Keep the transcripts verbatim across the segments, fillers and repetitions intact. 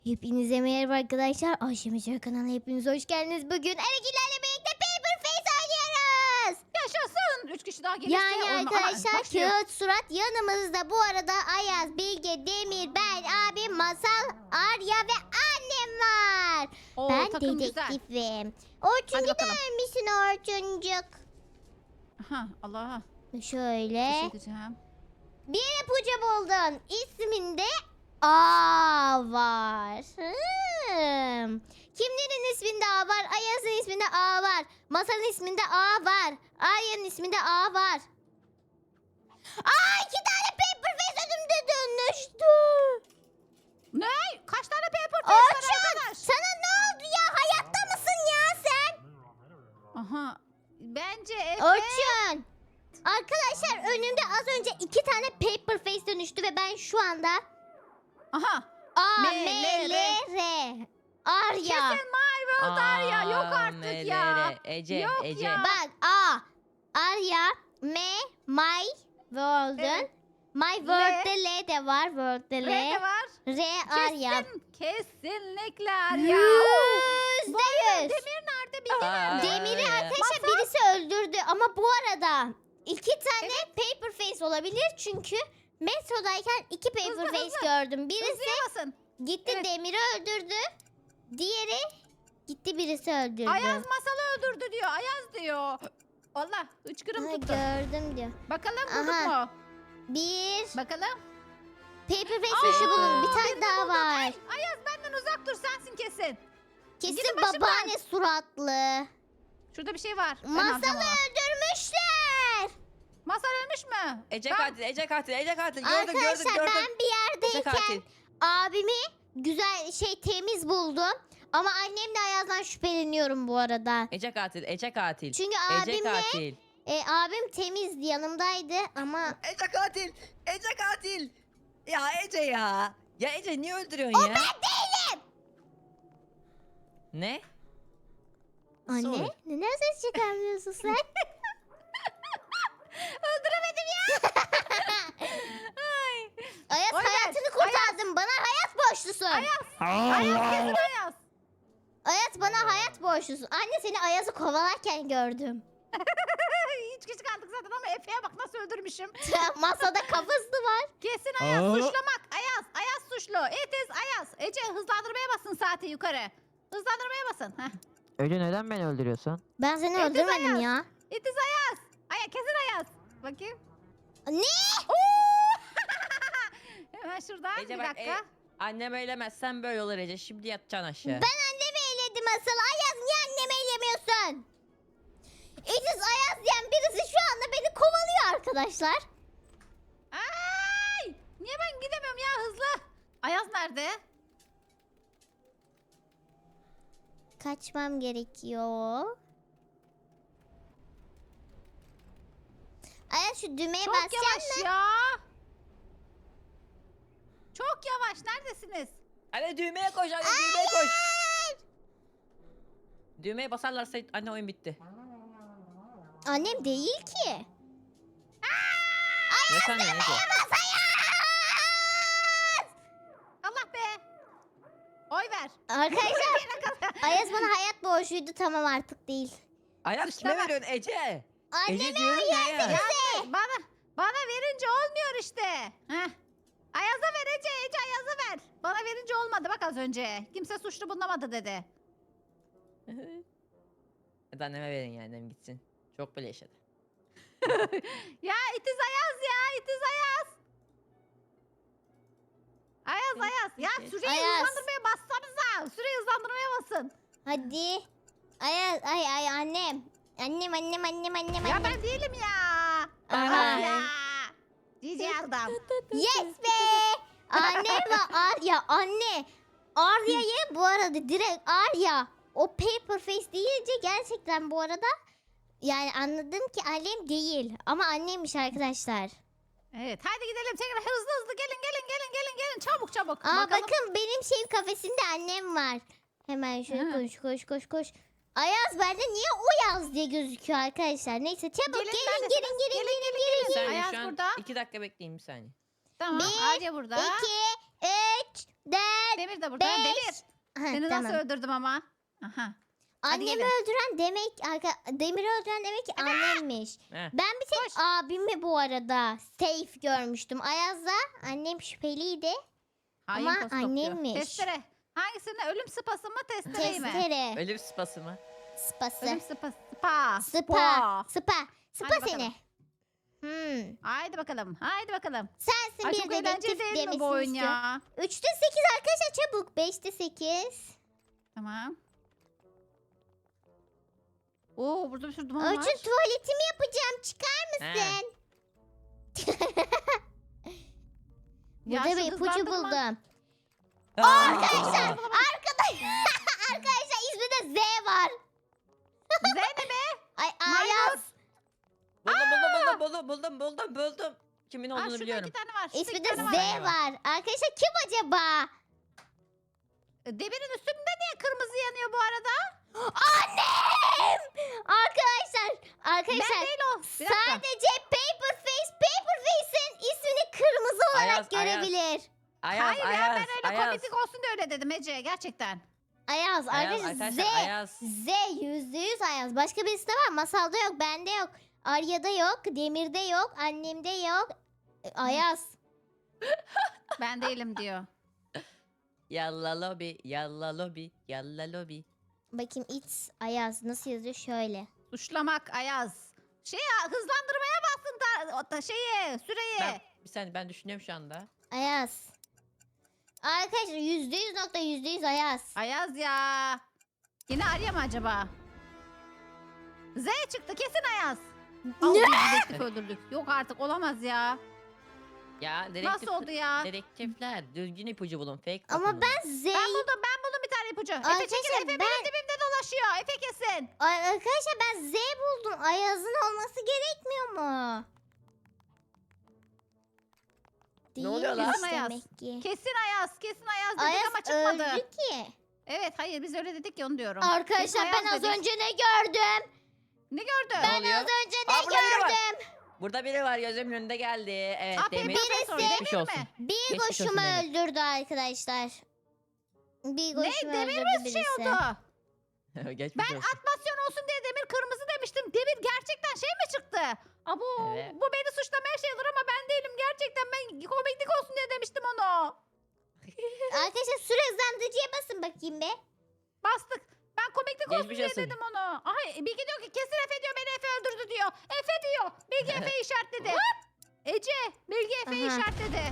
Hepinize merhaba arkadaşlar. Ayşe Meşe kanalına hepiniz hoş geldiniz. Bugün Erekilerle birlikte Paper Face oynuyoruz. Yaşasın. Üç kişi daha gelirse Yani oyun- Aha, arkadaşlar başlıyor. Kağıt Surat yanımızda. Bu arada Ayaz, Bilge, Demir, ben, abim, Masal, Arya ve annem var. Oo, ben takım güzel. dedektifim. Hadi Orçun bakalım. gider misin Orçuncuk? Aha, Allah. Şöyle. Bir şey diyeceğim. Bir ipucu buldun. İsminde A var. Hmm. Kimlerin isminde A var? Ayaz'ın isminde A var. Masal'ın isminde A var. Arya'nın isminde A var. Aa, iki tane paper face önümde dönüştü. Ne? Kaç tane paper face var Orçun, arkadaş? sana ne oldu ya? Hayatta mısın ya sen? Aha. Bence Efe. Orçun. Arkadaşlar önümde az önce iki tane paper face dönüştü ve ben şu anda Aha. A, M, M, L, L, R. Arya. Kesin My World Arya. Yok artık M L ya. R. Ece, Yok Ece. ya. Bak A. Arya. M. My World'un. Evet. My World'de L de var. World'de L. R de var. R. Arya. Kesin. Kesinlikle Arya. Yüzde Bu arada yüz. Demir nerede? Bilge nerede? Demir'i Aa, arkadaşlar birisi öldürdü ama bu arada iki tane paper face olabilir çünkü metrodayken iki paper Hızlı, face hızlı. gördüm. Birisi Hızlıya basın. gitti Evet. Demir'i öldürdü. Diğeri gitti birisi öldürdü. Ayaz masalı öldürdü diyor. Ayaz diyor. Allah hıçkırım Ha, tuttu. gördüm diyor. Bakalım bulduk Aha. mu? Bir Bakalım. paper face Aa, taşı bulun. Bir birini tane daha buldum. var. Ay, Ayaz benden uzak dur sensin kesin. Kesin gidin başımdan. babaanne suratlı. Şurada bir şey var. Ben Masalı alacağım onu. öldürmüşler. Masal ölmüş mü? Ece Ben- katil, Ece katil, Ece katil. Gördüm, gördüm, Arkadaşlar gördüm. ben bir Ece yerdeyken katil. abimi güzel şey temiz buldum. Ama annemle Ayaz'dan şüpheleniyorum bu arada. Ece katil, Ece katil. Çünkü Ece abimle katil. e, abim temizdi yanımdaydı ama Ece katil, Ece katil. Ya Ece ya. Ya Ece niye öldürüyorsun ya? ben değilim. Ne? Anne Sor. neden ses çıkarmıyorsun sen? Öldüremedim ya. Ay. Ayaz Oynar, hayatını kurtardın. Bana hayat borçlusun. Ayaz. Ayaz kesin Ayaz. Ayaz bana hayat borçlusun. Anne seni Ayaz'ı kovalarken gördüm. Üç kişi kaldık zaten ama Efe'ye bak nasıl öldürmüşüm. Masada kafası var. Kesin Ayaz Aa. suçlamak. Ayaz. Ayaz suçlu. It is Ayaz. Ece hızlandırmaya basın saati yukarı. Hızlandırmaya basın. Heh. Öyle neden beni öldürüyorsun? Ben seni Ediz öldürmedim Ayaz. ya. It is Ayaz. Aya kesin Ayaz. Bakayım. Ne? Oo! Hemen şuradan Ece bir bak, dakika. e, annem eylemezsen böyle olur Ece. Şimdi yatacaksın aşağı. Ben annemi eyledim asıl. Ayaz niye annemi eylemiyorsun? Ediz Ayaz diyen birisi şu anda beni kovalıyor arkadaşlar. Ay! Niye ben gidemiyorum ya hızlı? Ayaz nerede? Kaçmam gerekiyor. Ayaz şu düğmeye Çok basacaksın yavaş mı? ya. Çok yavaş. Neredesiniz? Anne düğmeye koş, anne düğmeye koş. Düğmeye basarlarsa anne oyun bitti. Annem değil ki. Ne sanıyorsun Ece? Allah be. Oy ver. Arkadaşlar Ayaz bana hayat borçluydu, tamam artık değil. Ayaz kime Suçlama. veriyorsun Ece? Anneme Ece diyorum ya. ya. Ya bana bana verince olmuyor işte. Heh. Ayaz'a ver Ece. Ece Ayaz'a ver. Bana verince olmadı bak az önce. Kimse suçlu bulunamadı dedi. Hadi anneme verin ya, annem gitsin. Çok bile yaşadı. Ya itiz Ayaz ya. itiz Ayaz. Ayaz Ayaz. Ya süreyi Ayaz. hızlandırmaya bassanıza. Süreyi hızlandırmaya basın. Hadi. Ayaz ay ay annem. Annem annem annem annem Ya annem. ben değilim ya. Aha. Of ya. Cici adam. Yes be. Anne ve Arya anne. Arya'yı bu arada direkt Arya. O paper face deyince gerçekten bu arada yani anladım ki annem değil. Ama annemmiş arkadaşlar. Evet hadi gidelim tekrar hızlı hızlı gelin gelin gelin gelin gelin çabuk çabuk. Aa Bakalım. bakın benim şey kafesinde annem var. Hemen şöyle Ha. koş koş koş koş. Ayaz bende niye o yaz diye gözüküyor arkadaşlar. Neyse çabuk Gelin, gelin neredesiniz? gelin gelin Gelin, gelin Bir gelin. saniye Ayaz şu an burada. iki dakika bekleyin bir saniye. Tamam Bir, Arya burada. İki, üç, dört, Demir de burada. beş. Demir. Aha, Seni tamam. nasıl öldürdüm ama? Aha. Hadi Annemi gelin. öldüren demek, arka, Demir'i öldüren demek ki annemmiş. Heh. Ben bir tek Koş. abimi bu arada safe görmüştüm. Ayaz'la annem şüpheliydi. Hain Ama kostopluyor. annemmiş. Testere. Hangisini? Ölüm sıpası mı testereyi mi? Testere. Ölüm sıpası mı? Spası. Ölüm sıpası. Spa. Spa. Spa. Spa Hadi seni. Hmm. Haydi bakalım. Haydi bakalım. Sensin Ay bir çok eğlenceli dedektif değil mi demesini bu oyun istiyorum. ya? Üçte sekiz arkadaşlar çabuk. Beşte sekiz. Tamam. Oo burada bir sürü duman var. Orçun tuvaletimi yapacağım. Çıkar He. mısın? Ya Burada şu bir ipucu hızlandırma- buldum. Aa! Arkadaşlar. Arkadaş. Arkadaşlar isminde Z var. Zeynep be. Ay Maymun. Ayaz. Buldum buldum buldum buldum buldum buldum. Kimin Aa, olduğunu şurada biliyorum. iki tane var. Şurada iki İsminde tane Z var. var. Arkadaşlar kim acaba? Demirin üstünde niye kırmızı yanıyor bu arada? Annem! Arkadaşlar. Ben Arkadaşlar. değil o. Bir dakika. Sadece Paperface, Paperface'in ismini kırmızı olarak Ayaz, Ayaz. görebilir. Ayaz Hayır ya Ayaz ben öyle Ayaz. komiklik olsun diye öyle dedim Ece gerçekten. Ayaz. Ayaz Arkadaşlar Z. arkadaşlar Ayaz. Z yüzde yüz Ayaz. Başka birisi de var. Masalda yok, bende yok. Arya'da yok, Demir'de yok, annemde yok. E, Ayaz. Ben değilim diyor. Yalla lobi yalla lobi yalla lobi. Bakayım it's Ayaz nasıl yazıyor şöyle. Suçlamak Ayaz. Şey ya hızlandırmaya bastın da, o da şeyi süreyi. Ben, bir saniye ben düşünüyorum şu anda. Ayaz. Arkadaşlar yüzde yüz nokta yüzde yüz Ayaz. Ayaz ya. Yine Arya mı acaba? Z çıktı kesin Ayaz. Al, Ne? bir dedektif öldürdük. Yok artık olamaz ya. Ya dedektif, Nasıl oldu ya? dedektifler düzgün ipucu bulun. Fake Ama bakın. ben Z... Ben buldum ben buldum bir tane ipucu. Efe Arkadaşlar, çekil Efe ben- benim dibimde dolaşıyor. Efe kesin. Ay, arkadaşlar ben Z buldum. Ayaz'ın olması gerekmiyor mu? Ne oluyor lan? Değilmiş Kesin Ayaz. demek ki. Kesin Ayaz. Kesin Ayaz dedik Ayaz ama çıkmadı. öldü ki. Evet hayır biz öyle dedik ya onu diyorum. Kesin Arkadaşlar ben Ayaz az dedik. önce ne gördüm? Ne gördün? Ne Ben oluyor? az önce ne Aa, burada biri var. gördüm? Burada biri var gözümün önünde geldi. Evet Aa, Demir. Paper Face Geçmiş Demir olsun. mi? Bir Geçmiş koşumu olsun Demir. öldürdü arkadaşlar. Bir Ne? koşumu Demir öldürdü mi birisi. şey oldu? Geçmiş Ben olsun. atmasyon olsun diye demir kırmızı demiştim. Demir gerçekten şey mi çıktı? Abo Evet. bu beni suçlamaya şey olur ama ben değilim. Gerçekten ben komiklik olsun diye demiştim onu. Arkadaşlar süre hızlandırıcıya basın bakayım be. Bastık. Ben komiklik olsun Geçmiş diye olsun. dedim onu. Ay Bilge diyor ki kesin Efe diyor beni Efe öldürdü diyor. Efe diyor. Bilge Efe işaretledi. Ece Bilge Efe'yi Aha. işaretledi.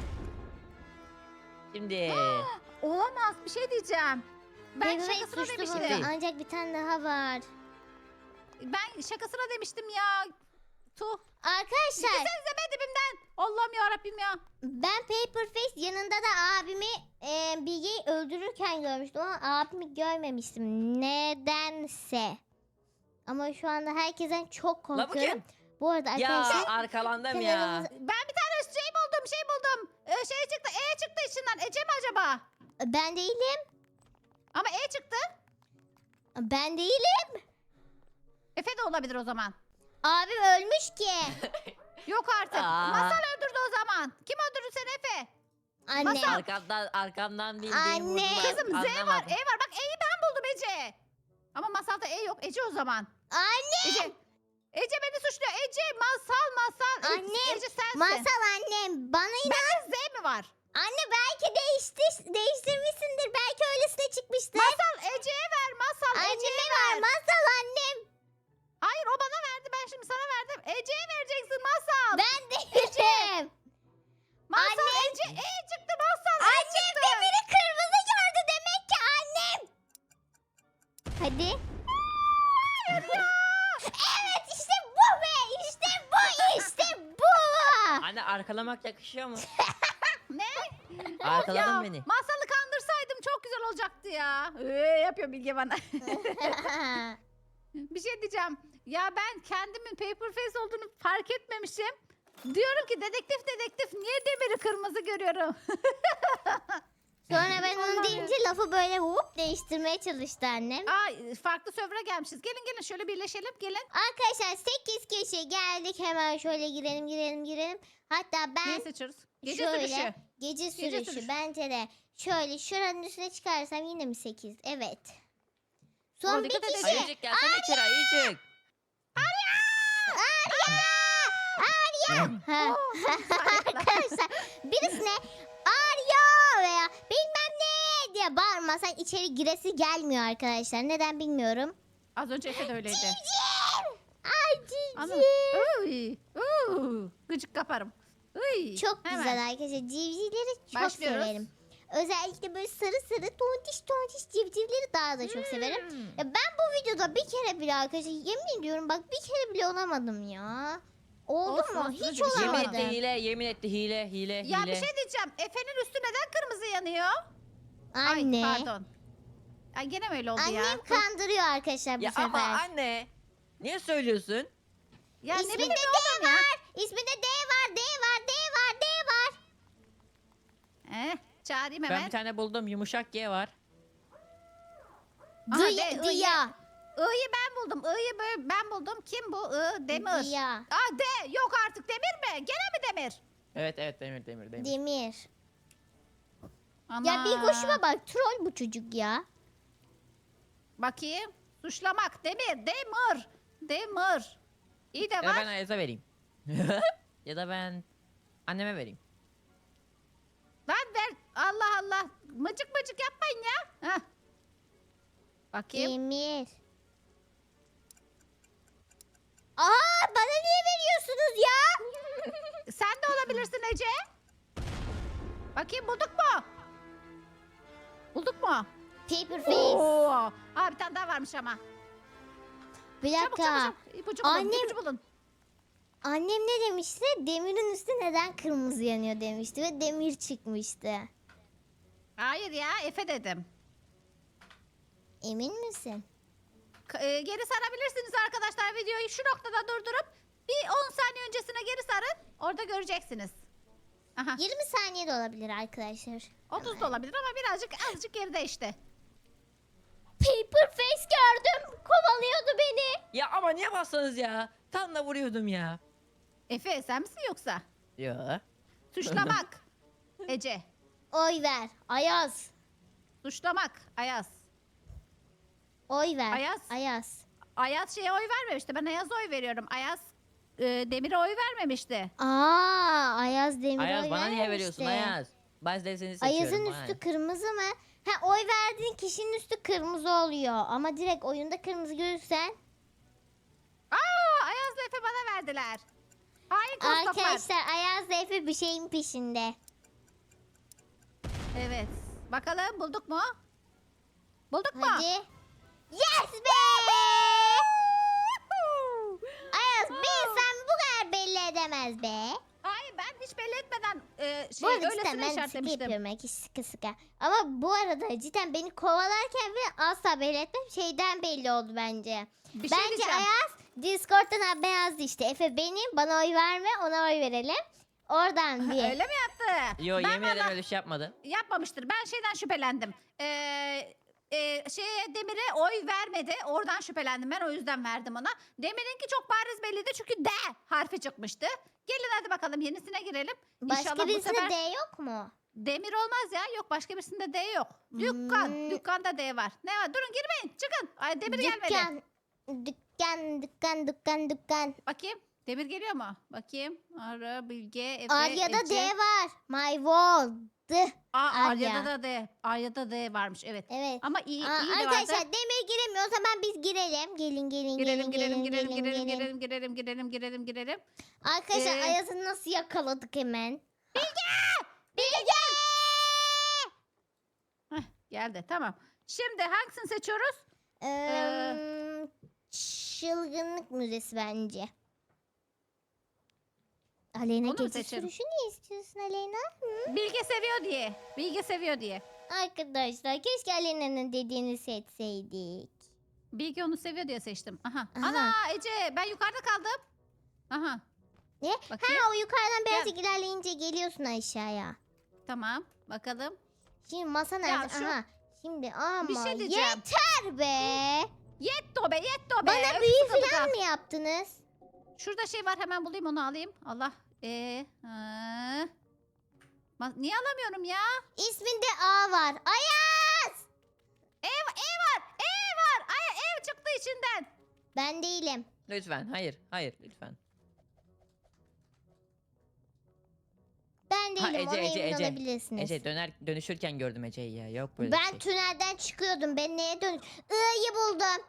Şimdi Olamaz bir şey diyeceğim. Ben Bebek şakasına suçlu demiştim. burada. Ancak bir tane daha var. Ben şakasına demiştim ya. Tuh. Arkadaşlar Gitsenize be dibimden. Allah'ım ya Rabbim ya. ben Paperface yanında da abimi e, Bilge'yi öldürürken görmüştüm ama abimi görmemiştim. Nedense. Ama şu anda herkesten çok la bu korkuyorum. kim? Bu arada Ya arkadaşlar arkalandım ya. kanalımız- Ben bir tane şey buldum şey buldum. Ee, şey çıktı E çıktı içinden. Ece mi acaba? ben değilim. Ama E çıktı. Ben değilim. Efe de olabilir o zaman. Abim ölmüş ki. Yok artık. Aa. Masal öldürdü o zaman. Kim öldürdü seni Efe? Anne. Masal. Arkamdan arkamdan bildiğim Anne. vurdular. Kızım Z var Anlamadım. E var. Bak E'yi ben buldum Ece. Ama Masal'da E yok. Ece o zaman. Anne. Ece. Ece beni suçluyor. Ece masal masal. E- Annem, Ece sensin. Masal annem bana inan. Bende Z mi var? Anne belki değiştir, değiştirmişsindir. Belki öylesine çıkmıştır. Masal Ece'ye ver. Masal Ece'ye Anneme ver. var. Masal annem. Hayır o bana verdi. Ben şimdi sana verdim. Ece'ye vereceksin Masal. Ben değilim. Masal Anne. Ece E çıktı Masal. E Annem çıktı. demiri kırmızı gördü demek ki annem. Hadi. Evet işte bu be. İşte bu. İşte bu. Anne arkalamak yakışıyor mu? Ne? Arkaladın Ya, beni. Masalı kandırsaydım çok güzel olacaktı ya. Ee, yapıyor Bilge bana. Bir şey diyeceğim. Ya ben kendimin paper face olduğunu fark etmemişim. Diyorum ki dedektif dedektif niye demiri kırmızı görüyorum? Sonra ben onu Vallahi. deyince lafı böyle hop değiştirmeye çalıştı annem. Aa farklı server'a gelmişiz. Gelin gelin şöyle birleşelim gelin. Arkadaşlar sekiz kişi geldik. Hemen şöyle girelim girelim girelim. Hatta ben Neyi seçiyoruz? Gece Şöyle, sürüşü. Gece sürüşü sürüşü. bence de. Şöyle şuranın üstüne çıkarsam yine mi sekiz? Evet. Son Ama bir dikkat edin. kişi. Ayıcık gelsene içeri Ayıcık. Ha. Oo, Arkadaşlar birisine Arya veya bilmem ne diye bağırmasan içeri giresi gelmiyor arkadaşlar. Neden bilmiyorum. Az önce Efe de öyleydi. Ay Ana. civciv. Uy, uuu, gıcık kaparım. Uy, Çok hemen. güzel arkadaşlar. Civcivleri çok Başlıyoruz. severim. Özellikle böyle sarı sarı tontiş tontiş civcivleri daha da çok severim. Hmm. Ya ben bu videoda bir kere bile arkadaşlar yemin ediyorum bak bir kere bile olamadım ya. Oldu Olsun, mu? olsun, Hiç hadi bir şey Yemin olmadı. etti olamadım. hile, yemin etti hile, hile, Ya hile. bir şey diyeceğim. Efe'nin üstü neden kırmızı yanıyor? Anne. Ay pardon. Ay gene mi öyle oldu ya? Annem kandırıyor arkadaşlar bu Ya sefer. ama anne. Niye söylüyorsun? Ya ne İsminde bileyim D var. İsminde D var, D var, D var, D var. Eh, çağırayım Ben hemen. bir tane buldum yumuşak G var. Aha, Dıya, D, dıya. I'yı ben buldum. I'yı böyle ben buldum. Kim bu? I, Demir. Dıya. Aa D. Yok artık Demir mi? Gene mi Demir? Evet evet demir demir demir. Demir. Ana. Ya bir koşuma bak troll bu çocuk ya. Bakayım. Suçlamak. Demir. Demir. Demir. İyi de Ya da var. ben Ayaz'a vereyim. Ya da ben anneme vereyim. Lan ver. Allah Allah. Mıcık mıcık yapmayın ya. Heh. Bakayım. Demir. Aa bana niye veriyorsunuz ya? Sen de olabilirsin Ece. Bakayım bulduk mu? Bulduk mu? Paper face. Oo. Aa bir tane daha varmış ama. Bir Çabuk dakika. çabuk çabuk. İpucu bulun. Annem- ipucu bulun. Annem ne demişti? Demirin üstü neden kırmızı yanıyor demişti ve demir çıkmıştı. Hayır ya Efe dedim. Emin misin? K- e, geri sarabilirsiniz arkadaşlar videoyu şu noktada durdurup bir on saniye öncesine geri sarın. Orada göreceksiniz. Aha. yirmi saniye de olabilir arkadaşlar. otuz da olabilir ama birazcık azıcık geride işte. Paper face gördüm. Kovalıyordu beni. Ya ama niye bastınız ya? Tam da vuruyordum ya. Efe sen misin yoksa? Ya. Suçlamak. Ece. Oy ver. Ayaz. Suçlamak. Ayaz. Oy ver. Ayaz. Ayaz. Ayaz şeye oy vermemişti. Ben Ayaz'a oy veriyorum. Ayaz e, Demir'e oy vermemişti. Aa, Ayaz demir Ayaz oy bana niye vermemişti. veriyorsun Ayaz? Ben de seni seçiyorum. Ayaz'ın bana üstü ne? kırmızı mı? Ha oy verdiğin kişinin üstü kırmızı oluyor. Ama direkt oyunda kırmızı görürsen. Aa Ayaz'la Efe bana verdiler. Hain kostoplar. Arkadaşlar Ayaz da Efe bir şeyin peşinde. Evet. Bakalım bulduk mu? Bulduk mu? Hadi. Yes be! Ayaz bir insan bu kadar belli edemez be. Hayır ben hiç belli etmeden e, Bu şey arada cidden öylesine ben sıkı işaretlemiştim. yapıyorum belki sıkı sıkı. Ama bu arada cidden beni kovalarken bile asla belli etmem. Şeyden belli oldu bence. Bir şey Bence diyeceğim. Ayaz Discord'dan haber yazdı işte. Efe benim bana oy verme ona oy verelim. Oradan diye. Öyle mi yaptı? Yo Ben yemin ederim valla- öyle bir şey yapmadı. Yapmamıştır. Ben şeyden şüphelendim. Ee, e, şeye Demir'e oy vermedi. Oradan şüphelendim. Ben o yüzden verdim ona. Demir'inki çok bariz belliydi çünkü D harfi çıkmıştı. Gelin hadi bakalım yenisine girelim. Başka İnşallah bu birisinde sefer D yok mu? Demir olmaz ya. Yok başka birisinde D yok. Dükkan. Hmm. Dükkanda D var. Ne var? Durun girmeyin. Çıkın. Ay Demir gelmedi. Dükkan. Dükkan, dükkan, dükkan, dükkan. Bakayım. Demir geliyor mu? Bakayım. Ara, Bilge, Efe, Arya'da Ece. D var. My world. Aa, Arya. Arya'da da D. Arya'da D varmış evet. Evet. Ama iyi, Aa, iyi de arkadaşlar vardı. Demir giremiyor. O zaman biz girelim. Gelin gelin Girelim gelin girelim gelin girelim gelin girelim gelin. girelim girelim girelim girelim girelim. Arkadaşlar Ee, Ayaz'ı nasıl yakaladık hemen? Heh, geldi tamam. Şimdi hangisini seçiyoruz? Ee, çılgınlık müzesi bence. Aleyna Onu mu gece seçelim? sürüşü niye istiyorsun Aleyna? Bilge seviyor diye. Bilge seviyor diye. Arkadaşlar keşke Aleyna'nın dediğini seçseydik. Bilge onu seviyor diye seçtim. Aha. Aha. Ana Ece ben yukarıda kaldım. Aha. Ne? Bakayım. Ha o yukarıdan birazcık ilerleyince geliyorsun aşağıya. Tamam bakalım. Şimdi masa nerede? şu- Aha. Şimdi ama Bir şey diyeceğim. yeter be. Yetto be yetto be. Bana Öf, büyü sıkıldık falan ha. mı yaptınız? Şurada şey var hemen bulayım onu alayım. Allah. Ee, ha. Ma- Niye alamıyorum ya? İsminde A var. Ayaz! Ev, ev var. Ev var. Ay, ev çıktı içinden. Ben değilim. Lütfen hayır hayır lütfen. Ben Ha, değilim. Ece, Ona Ece, emin Ece. olabilirsiniz. Ece döner dönüşürken gördüm Ece'yi ya. Yok böyle ben bir tünelden çıkıyordum. Ben neye dön... I'yı buldum.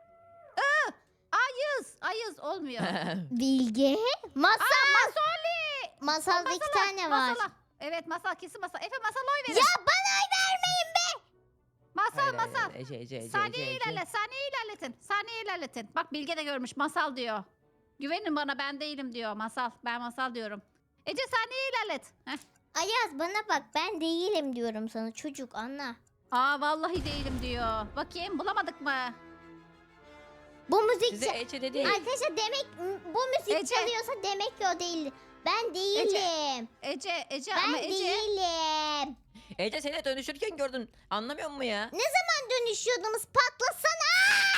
Ayız. Ayız olmuyor. şey. Bilge. Masal. Masoli. Masalda iki tane var. Masala. Evet masal kesin masal. Efe masal oy verin. Ya bana oy vermeyin be. Masal Hayır, hayır, masal. hayır. Ece Ece Ece Saniye Ece. Ece. ilerle. Saniye ilerletin. Saniye ilerletin. Bak Bilge de görmüş. Masal diyor. Güvenin bana ben değilim diyor. Masal. Ben masal diyorum. Ece saniye ilerlet. Heh. Ayaz bana bak, ben değilim diyorum sana, çocuk anla. Aa vallahi değilim diyor. Bakayım bulamadık mı? Bu müzik Size ça- Ece dedi. Arkadaşlar demek bu müzik Ece. çalıyorsa demek ki o değil. Ben değilim. Ece, Ece Ben ama Ece. değilim. Ece seni dönüşürken gördün. Anlamıyor musun ya? Ne zaman dönüşüyordunuz? Patlasana!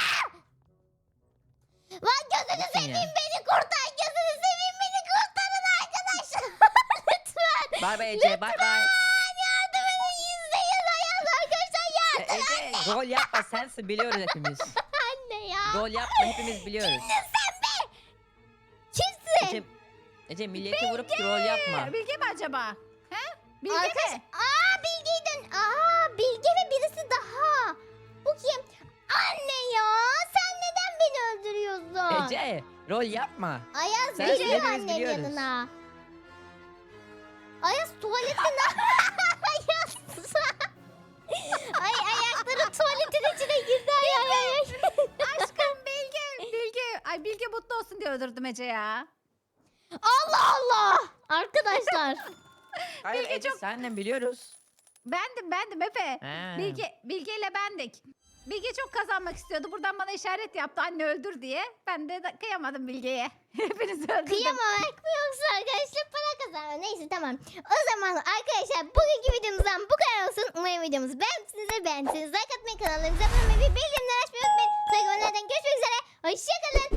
Lan gözünü Bakın seveyim, ya. beni kurtar. Gözünü seveyim, beni kurtarın arkadaşlar. Lütfen. Bay bay Ece bay bay. Yardım edin, izleyin Ayaz arkadaşlar E, yardım. Ece rol yapma sensin biliyoruz hepimiz. Anne ya. Rol yapma hepimiz biliyoruz. Sen be. Kimsin? Ece, Ece milleti vurup rol yapma. Bilge mi acaba? He? Bilge Arkadaş, mi? aa Bilge'den, aa Bilge ve birisi daha. Bu kim? Anne ya, sen neden beni öldürüyorsun? Ece rol yapma. Ayaz Sen geliyor hepimiz annem biliyoruz. yanına. Ayaz tuvalette ne? Ayaz. Ay ayakları tuvaletin içine girdi ay ay ay. Aşkım Bilge. Bilge. Ay Bilge mutlu olsun diye öldürdüm Ece ya. Allah Allah. Arkadaşlar. Hayır Bilge Ece çok- senden biliyoruz. Bendim bendim Efe. Ha. Bilge, Bilge ile bendik. Bilge çok kazanmak istiyordu. Buradan bana işaret yaptı anne öldür diye. Ben de da- kıyamadım Bilge'ye. Hepinizi öldürdüm. Kıyamamak mı yoksa arkadaşlar para kazanma? Neyse tamam. O zaman arkadaşlar bugünkü videomuzdan bu kadar olsun. Umarım videomuzu beğenmişsinizdir. Beğendiyseniz like atmayı, kanallarımıza abone olmayı ve bildirimleri açmayı unutmayın. Sonraki videolardan görüşmek üzere. Hoşçakalın.